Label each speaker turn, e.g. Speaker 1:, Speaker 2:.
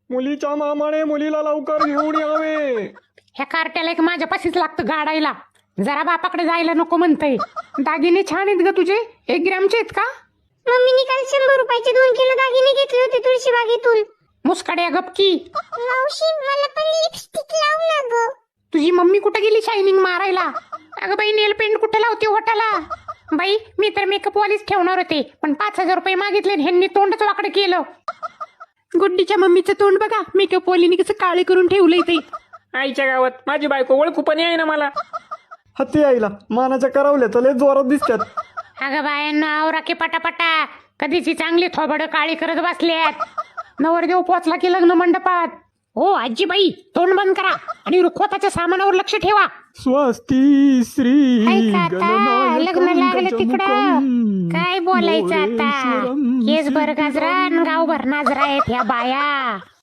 Speaker 1: मुलीच्या मामाने मुलीला लवकर घेऊन यावे.
Speaker 2: ह्या कार्ट्याला एक माझ्यापाशीच लागतं गाडायला. जरा बापाकडे जायला नको म्हणतंय. दागिने छान आहेत ग तुझे. 1 ग्रॅमचे आहेत का?
Speaker 3: मम्मीने काल 100 रुपयाचे 2 किलो दागिने घेतले होते तुळशीबागेतून.
Speaker 2: मुस्काड्या गपकी.
Speaker 3: मावशी मला पण लिपस्टिक लाव ना ग.
Speaker 2: तुझी मम्मी कुठे गेली शायनिंग मारायला? अगं बाई नेल पेंट कुठे लावते ओठाला? बाई मी तर मेकअप वालीच ठेवणार होते, पण 5,000 रुपये मागितले आणि ह्यांनी तोंडच वाकडं केलं. गुड्डीच्या मम्मीचं तोंड बघा, मेकअप वालीने कसं काळे करून ठेवलंय ते.
Speaker 4: आईच्या गावात माझी बायको ओळखू पण आहे ना मला.
Speaker 1: हत्ती आईला मानाच्या करावल्या तर लय जोरात दिसतात.
Speaker 2: अगं बायांना आवरा की पटापटा. कधीची चांगली थोबडं काळी करत बसल्यात. नवरदेव पोचला की लग्न मंडपात. हो आजीबाई तोंड बंद करा आणि रुखवताच्या सामानावर लक्ष ठेवा.
Speaker 1: स्वस्ती श्री
Speaker 2: ऐका आता, लग्न लागलं तिकडं. काय बोलायचं आता? केस भर गाजरा आणि गावभर नाजरा आहेत ह्या बाया.